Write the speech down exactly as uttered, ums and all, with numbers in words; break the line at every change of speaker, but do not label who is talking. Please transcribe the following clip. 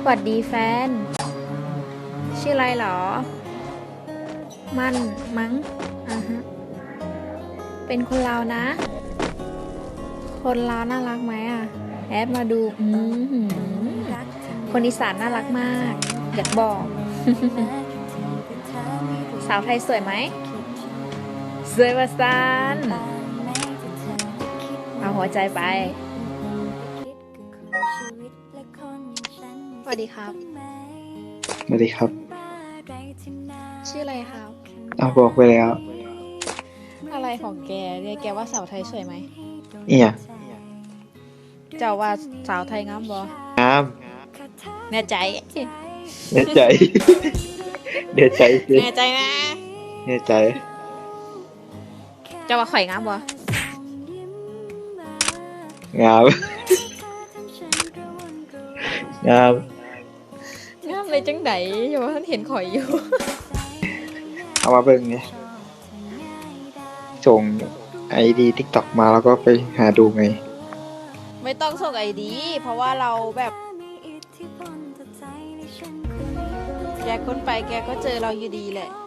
สวัสดีแฟนชื่ออะไรเหรอมันมั้งอ่าฮะเป็นคนลาวนะ คนลาวน่ารักไหมอ่ะแอดมาดูอืมหืมคนอีสานน่ารักมากอยากบอก สาวไทยสวยไหมสวยประสานเอาหัวใจไปสวัสดีครับ
สวัสดีครับ
ชื่ออะไรครับ
เอาบอกไปแล้ว
อะไรของแกเรียกแกว่าสาวไทยสวยไหม
เอีย
เจ้าว่าสาวไทยงามบ่
งาม
แน่ใจ
แน่ใจ แน่ใจสิ
แน่ใจนะ
แน่ใจ
เจ้าว่าข่อยงามบ่
งาม งาม
งามเลยจังไดอยู่ว่าท่านเห็นข่อยอยู่
เอามาเบิ่งไงส่งไอดีทิกตอกมาแล้วก็ไปหาดูไง
ไม่ต้องส่งไอดีเพราะว่าเราแบบแกค้นไปแกก็เจอเราอยู่ดีแหละ